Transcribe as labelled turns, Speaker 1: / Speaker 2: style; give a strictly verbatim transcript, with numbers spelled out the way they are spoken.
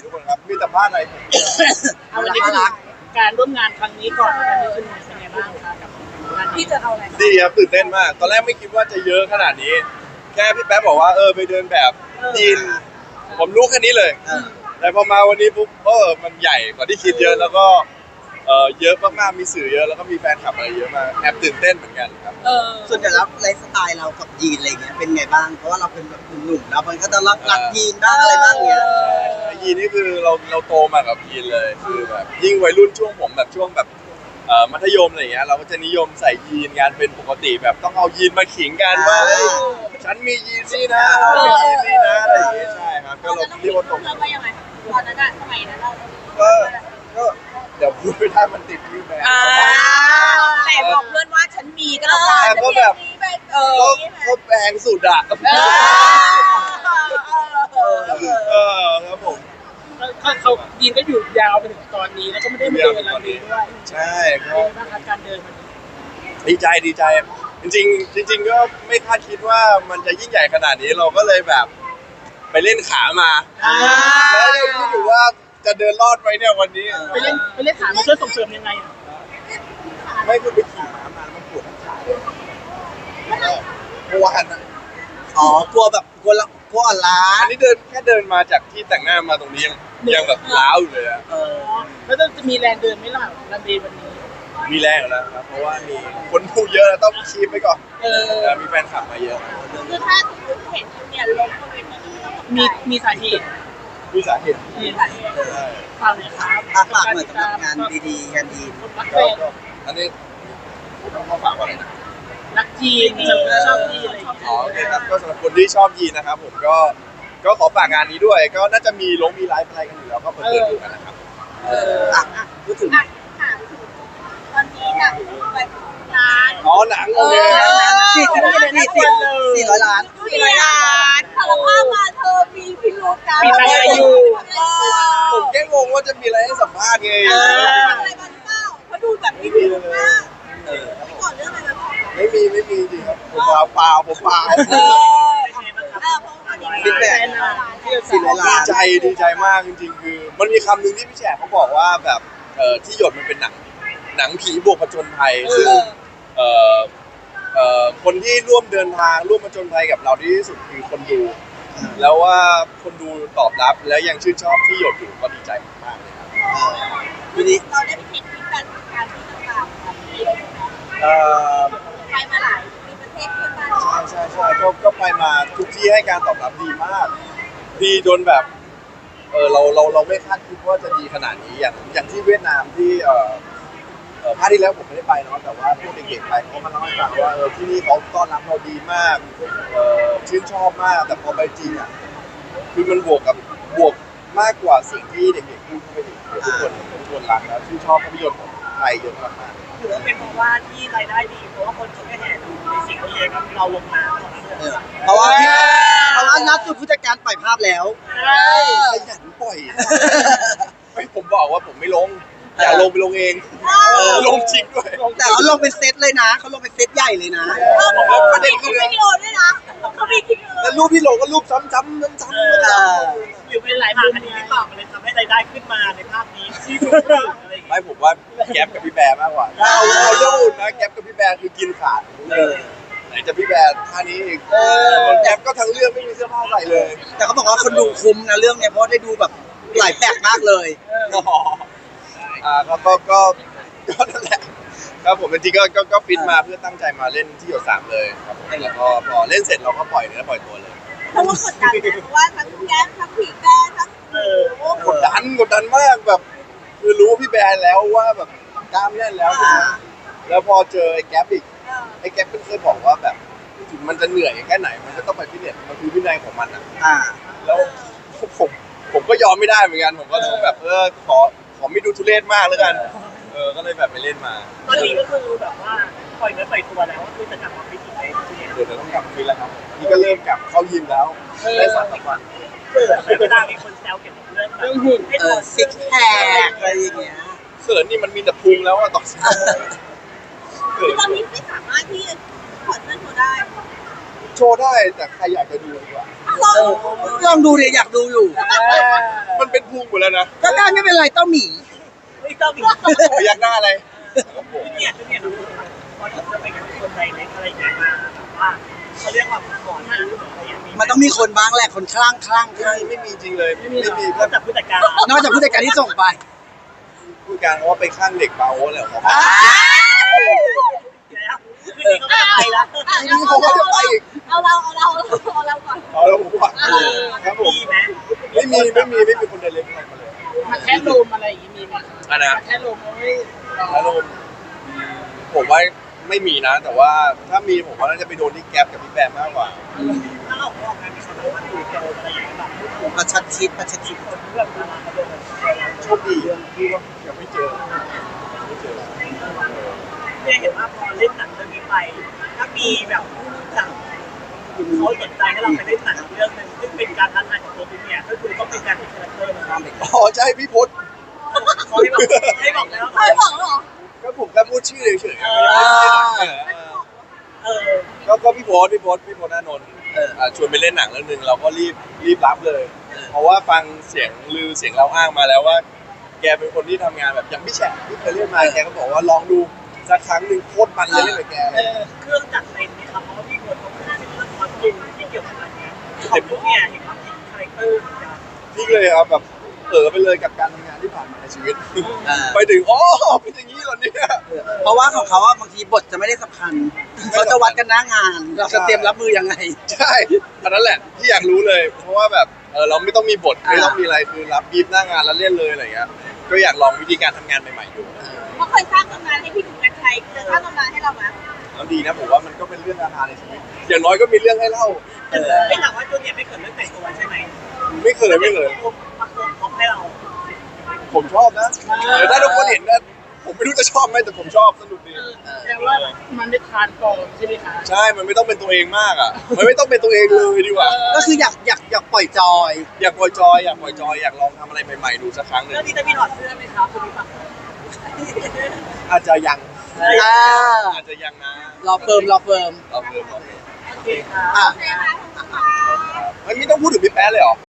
Speaker 1: ทุกคนครับมีแต่พลาดอะไรผม
Speaker 2: เอาวันนี้คือการร่วมงานครั้งนี้ก่อนการนี้คือเป็นไงบ้างคะกับงาน
Speaker 3: พี่
Speaker 2: ที่
Speaker 3: จะเอาอะไร
Speaker 1: ดีครับตื่นเต้นมาก ตอนแรกไม่คิดว่าจะเยอะขนาดนี้ แค่พี่แป๊บบอกว่าเออไปเดินแบบยีนผมรู้แค่นี้เลย แต่พอมาวันนี้ปุ๊บเออมันใหญ่กว่าที่คิดเยอะแล้วก็เออเยอะมากๆมีสื่อเยอะแล้วก็มีแฟนคลับอะไรเยอะมากแอบตื่นเต้นเหมือนกันครับ
Speaker 3: เออ
Speaker 4: ส่วนใหญ่แล้วไลฟ์สไตล์เรากับยีนอะไรเงี้ยเป็นไงบ้างเพราะว่าเราเป็นแบบหนุ่มๆแล้วมันก็จะรักรักยีนบ้างอะไรบ้างเงี้ย
Speaker 1: ยีนนี่คือเราเราโตมากับยีนเลยคือแบบยิ่งวัยรุ่นช่วงผมแบบช่วงแบบเอ่อมัธยมอะไรอย่างเงี้ยเราก็จะนิยมใส่ยีนงานเป็นปกติแบบต้องเอายีนมาขิงกันว่าเฮ้ยฉันมียีนนี่นะเรามียีนนี่นะอะไรอย่างเงี้ยใช่ครับก็เราเรียกว่าตรง
Speaker 3: เราไปยังไงตอนนั้นอะสมัยนั้นเรา
Speaker 1: ก็ก็เดี๋ยวพูดไม่ได้มันติดที่แบรนด์
Speaker 3: อ่าแต่บอกเพื่อนว่าฉันมีก็แล้วกัน
Speaker 1: ก็แบบ
Speaker 3: เออ
Speaker 1: ก็ก็แพงสุดอะเออครับผม
Speaker 2: เขาเขายีนก็อยู่ยาวไปถึงตอนนี้แล้วก็ไม่ได้มาเดินอะไรด้วย
Speaker 1: ใช่
Speaker 2: เป็น
Speaker 1: ก็
Speaker 2: ไงบ้างคะการเดินมัน
Speaker 1: ดีใจดีใจ จริงๆจริง ๆ ก็ไม่คาดคิดว่ามันจะยิ่งใหญ่ขนาดนี้เราก็เลยแบบไปเล่นขามาแล้วยังคิดอยู่ว่าจะเดินรอดไหมเนี่ยวันนี้
Speaker 2: ไปเล่นไปเล่นขามันช่วยส่งเสริมยังไงอ่ะ
Speaker 1: ไม่คือไปขี่ม้ามาแล้วมันปวดทั้งขาเลยเมื่อวานอะ
Speaker 4: อ๋อกลัวแบบกลัวละกลัวอ่อนล้า
Speaker 1: อันนี้เดินแค่เดินมาจากที่แต่งหน้ามาตรงนี้ยังยังแบบล้าวอยู่เลยอะ
Speaker 4: เออ
Speaker 2: แล้วจะมีแรงเดินไหมล่ะรันเดย์วันนี้
Speaker 1: มีแรงอยู่แล้วครับเพราะว่ามีคนพูดเยอะแล้วต้องคีบไปก่อน
Speaker 2: เออ
Speaker 1: แล้วมีแฟนคลับมาเยอะ
Speaker 3: คือถ้าสมมติเห็นเนี่ยลงบนเวทีนี้ต้อง
Speaker 2: มีมีสาเหตุ
Speaker 1: มีสาเหตุ
Speaker 2: มี
Speaker 1: ใช่
Speaker 2: ฟังเลยครับ
Speaker 4: อาฝากหน่อยสำหรับงานดีๆงานดี
Speaker 2: คนรักแฟ
Speaker 1: ก็
Speaker 2: น
Speaker 1: ก็อันนี้ต้องขอฝากว่าอะไรนะ
Speaker 2: รักจีนชอบจีนอะไรอย่างเงี้ย
Speaker 1: อ๋อโอเคครับก็สำหรับคนที่ชอบยีนนะครับผมก็ก็ขอฝากงานนี้ด้วย ก็น่าจะมีลงมีไลฟ์อะไรกันอยู่แล้วก็เปิดเผยดูกันนะครับ
Speaker 4: เอออ่ะอ่ะพูดถึง
Speaker 3: อ่ะถามถึงตอนนี้น่ะไปงาน
Speaker 1: อ๋อหนังโอเค
Speaker 4: สี่สิบสี่สิบสี่ร้อยล้าน
Speaker 3: สี่ร้อยล้านสารภาพมาเธอมีพิรุธนะ
Speaker 2: มีตังค์อยู่
Speaker 1: ผมแค่งงว่าจะมีอะไรให้สัมภาษณ์ไง
Speaker 3: อะไรกันเปล่าเขาดูแบบมีพิรุธมาก
Speaker 4: เออ
Speaker 3: ไม่ก่อนเรื่องอะไรแบบนี้
Speaker 1: ไม่มีไม่มีจริงครับผมเปล่าเปล่าผมเปล่า
Speaker 3: เออเออเพราะว่าดี
Speaker 4: ฟีดแบ็ก สี่ร้อยล้าน
Speaker 1: ดีใจดีใจมากจริงๆคือ มันมีคำหนึ่งที่พี่แฉกเขาบอกว่าแบบเอ่อที่หยดมันเป็นหนังหนังผีบวกผจญภัยซึ่งเอ่อเอ่อคนที่ร่วมเดินทางร่วมผจญภัยกับเราดีที่สุดคือคนดู แล้วว่าคนดูตอบรับและยังชื่นชอบที่หยดอยู่ก็ดีใจมากๆเลยครับ
Speaker 4: ทีนี้
Speaker 3: เราได้ไปเช็คฟีดแบ็กการที่ต่างๆแบบนี้เลย
Speaker 1: เอ่อ
Speaker 3: ไปมาหลายมีประเทศเพื่อนบ้าน
Speaker 1: ใช่ใช่ใช่ก็ก็ไปมาทุกที่ให้การตอบรับดีมาก ดีจนแบบเออเราเราเราไม่คาดคิดว่าจะดีขนาดนี้อย่างอย่างที่เวียดนามที่เอ่อเอ่อภาคที่แล้วผมไม่ได้ไปเนาะแต่ว่าพวกเด็กๆไปเขามาเล่าให้ฟังว่าเออที่นี่เขาต้อนรับเราดีมากเออชื่นชอบมากแต่พอไปจริงอ่ะคือมันบวกกับบวกมากกว่าสิ่งที่เด็กๆพูดเข้าไปอีกทุกคนทุกคนรักแล้วชื่นชอบภาพยนตร์ของไทยเยอะมากๆ
Speaker 5: ถือว่าเป็นเพราะว่าที่รายได้ดีเพราะว่าคนเขาไม่แห่ดูในสิ่งที่เราลงมาตอนนั้น
Speaker 4: เออเพราะว่าพี่เพราะว่านัดสุดผู้จัดการปล่อยภาพแล้ว
Speaker 1: ขยันปล่อยไม่ผมบอกว่าผมไม่ลง อยากลงไปลงเองลงจริงด้วย
Speaker 4: แต่เขาลงเป็นเซตเลยนะเขาลงเป็นเซตใหญ่เลยนะ
Speaker 3: เขาประเด็นคือวิดีโอด้วยนะเขามีคลิปวิดีโอ
Speaker 1: แล้วรูปที่ลงก็รูปซ้ำๆซ้ำๆซ้ำ
Speaker 4: เออ
Speaker 5: หรือเป็นหลายภาคอันนี้ที่ตอบมันเลยทำให้รายได้ขึ้นมาในภาคนี้ที่ดูอะไรอย่าง
Speaker 1: ๆ
Speaker 5: เงี้ย
Speaker 1: ไม่ผมว่าแก๊ปกับพี่แบร์มากกว่าเอาเอาเรื่องอื่นนะแก๊ปกับพี่แบร์คือกินขาดเลยไหนจะพี่แบร์ท่านี้อีกแก๊ปก็ทั้งเรื่องไม่มีเสื้อผ้าใส่เลย
Speaker 4: แต่เขาบอกว่าคนดูคุ้มนะเรื่องเนี้ยเพราะได้ดูแบบหลายแปลกมากเลย
Speaker 1: อ่าก็ก็ก็ก็นั่นแหละครับผมจริงๆก็ก็ก็ฟิตมาเพื่อตั้งใจมาเล่นที่หยดสามเลยครับผมแล้วก็พอเล่นเสร็จเราก็ปล่อยเนื้อปล่อยตัวเลย
Speaker 3: เพราะว่ากดดันนะว่าทั้งแก๊สทั้งผีแก้ทั้ง
Speaker 5: เออ
Speaker 3: โอ้
Speaker 1: กดดันกดดันมากแบบคือรู้พี่แบร์แล้วว่าแบบกล้ามแน่นแล้วใช่ไหมแล้วพอเจอไอ้แก๊ปอีกไอ้แก๊ปเพิ่งเคยบอกว่าแบบถึงมันจะเหนื่อยแค่ไหนมันก็ต้องไปฟิตเนสมันคือวินัยของมันอ่ะ
Speaker 4: อ่า
Speaker 1: แล้วผมผมก็ยอมไม่ได้เหมือนกันผมก็ต้องแบบเออขอขอไม่ดูทุเรศมากแล้วกันเออก็เลยแบบไปเล่นมา
Speaker 5: ตอนนี้ก็คือแบบว่าปล่อยเนื้อปล่อยตัวแล้วก็คือจะกลับมาฟิตอีกในที่นี้
Speaker 1: เดี๋ยวเราต้องกลับฟิตแล้วครับนี่ก็เริ่มกลับเข้ายิมแล้วได้สามสามวัน
Speaker 5: แต่เวลามีคนแซวเกี่ยวกับเรื่อง
Speaker 2: เรื่องหุ่น
Speaker 5: ให้
Speaker 4: เอ
Speaker 5: ถ
Speaker 4: อ
Speaker 5: อด
Speaker 4: ซิกแพคอะไรอย่างเงี้ย
Speaker 1: เขินนี่มันมีแต่พุงแล้วอะต่อเขิน
Speaker 3: ตอนนี้ไม่สามารถที่จะถอดเสื้อโชว์ได้
Speaker 1: ถโชว์ได้แต่ใครอยากจะดูดีกว่า
Speaker 4: เออลองดูเลยอยากดูอยู่
Speaker 1: มันเป็นพุงหมดแล้วนะ
Speaker 4: ก็ได้ไม่เป็นไรเต้าหมี
Speaker 5: ไม่ต้องมี
Speaker 1: พยักหน้าอะไรครับผม
Speaker 5: เนี่ยคือเนี่ยพอจะไปกับคนใดเล็กอะไรอย่างเงี้ยมาแบบว่าเขาเรียกว่าหมอนอะไรอย่างเงี้ย
Speaker 4: มันต้องมีคนบ้างแหละคนคลั่งคลั่งค
Speaker 1: ไม่
Speaker 4: ลั่ง
Speaker 1: มีไม่มีจริงเลยไม่มีไม่มี
Speaker 5: นอกจากผู้จัดการ
Speaker 4: นอกจากผู้จัดการที่ส่งไป
Speaker 1: ผู้การเขาว่าไปข้างเด็กบาโอ้แล้วเขา
Speaker 4: อ่า
Speaker 5: แล้วคือนี่เขาไม่ไปละ
Speaker 1: ทีนี้เขาก็จะไปอีก
Speaker 3: เอาเราเอาเราเอาเราก่อน
Speaker 1: เอาแล้วผมว่าครับผม
Speaker 5: มีไหม
Speaker 1: ไม่มีไม่มีไม่มีคนเดินเล็กอะไรมาเลย
Speaker 2: มาแค่ลมอะไรอย่างงี้มีไหม
Speaker 1: อันนะ
Speaker 2: มาแค่ลมเอาไว้
Speaker 1: อารมณ์ผมว่าไม่มีนะ แต่ว่าถ้ามีผมว่าน่าจะไปโดนที่แก๊ปกับพี่แบมมากกว่า
Speaker 5: ถ้าเราออกงานมีคนมาดูเจออะไรอย่างเงี้ยแบบ
Speaker 4: ประชัดชิดประชัดชิด
Speaker 5: คนเรื่องดาราเขาเดิน
Speaker 1: โชคดีที่ว่ายังไม่เจอยังไม่เจอ
Speaker 5: เนี่ยเห็นว่าพอเล่นหนังเรื่องนี้ไป ถ้ามีแบบผู้จัดเขาสนใจให้เราไปเล่นหนังเรื่องนึงซึ่งเป็นการท้าทายของตัวคุณเนี่ยก็คือต้องเป็นการเป็นคาแรคเตอร์นะครับ
Speaker 1: อ๋อใช่พี่พศ
Speaker 5: เขาให้บอกให้บอกแล้ว
Speaker 3: เคยบอกเหรอ
Speaker 1: ก็ผมแค่พูดชื่อเฉยๆ
Speaker 5: เออ
Speaker 1: ก็ก็พี่พศพี่พศพี่พศอานนท์อ่าชวนไปเล่นหนังเรื่องนึงเราก็รีบรีบรับเลย เพราะว่าฟังเสียงลือเสียงเราอ้างมาแล้วว่า แกเป็นคนที่ทำงานแบบอย่างพี่แฉะที่เคยเล่นมาแกก็บอกว่าลองดูสักครั้งหนึ่งโคตรมันเลยเล่นกับแก
Speaker 5: เออเครื่องจักรเต็มนี่ครับเพราะว่าพี่คนเขาพูดถึงเรื่องความจริงที่เกี่ยวกับอะไรเงี้ยของพวกเนี่ยเห็นว่าเป็นคาแรคเตอร์
Speaker 1: พี่เลยครับแบบเออไปเลยกับการทำงานที่ผ่านมาในชีวิต
Speaker 4: อ่า
Speaker 1: ไปถึงอ๋อเป็นอย่างนี้เหรอเนี่ย
Speaker 4: เพราะว่าของเขาอะบางทีบทจะไม่ได้สำคัญเขาจะวัดกันหน้างาน เราจะเตรียมรับมือยังไง
Speaker 1: ใช่อันนั้นแหละที่อยากรู้เลย เพราะว่าแบบเออเราไม่ต้องมีบทไม่ต้องมีอะไรคือรับบีบหน้างานแล้วเล่นเลยอะไรเงี้ยก็อยากลองวิธีการทำงานใหม่ๆดู
Speaker 3: เขาเคยสร้างตำนานให้พี่ถูกกันชัยเคยสร้างตำนานให้เราไหม
Speaker 1: แล้วดีนะผมว่ามันก็เป็นเรื่องอาหารในชีวิตอย่างน้อยก็มีเรื่องให้เล่า
Speaker 5: ไม่ถามว่าตัวเนี่ยไม่เกิดเรื่องแต่งตัวใช่ไหม
Speaker 1: ไม่เคยไม่เคย
Speaker 5: มาโกงพร้อมให้เรา
Speaker 1: ผมชอบนะแต่ถ้าทุกคนเห็นนะผมไม่รู้จะชอบไหมแต่ผมชอบสนุกดี
Speaker 2: แต่ว่ามันไม่ทานก่อนใช่ไหมคะ
Speaker 1: ใช่มันไม่ต้องเป็นตัวเองมากอ่ะมันไม่ต้องเป็นตัวเองเลยดีกว่า
Speaker 4: ก็คืออยากอยากอยากปล่อยจอย
Speaker 1: อยากปล่อยจอยอยากปล่อยจอยอยากลองทำอะไรใหม่ๆดูสักครั้งหนึ่ง
Speaker 5: เรื่องนี้จะมีถอดเสื้อไหมครับคุณพี่ปัก
Speaker 1: อาจจะยัง
Speaker 4: อ่า
Speaker 1: อาจจะยังนะ
Speaker 4: รอเฟิร์มรอเฟิร์ม
Speaker 1: รอเพิ่มรอเพิ่ม
Speaker 5: โอเคครับ
Speaker 4: อ่ะ
Speaker 3: โอเคค่ะขอบคุณค่ะ
Speaker 1: มันไม่ต้องพูดถึงพี่แป๊ะเลยเหรอ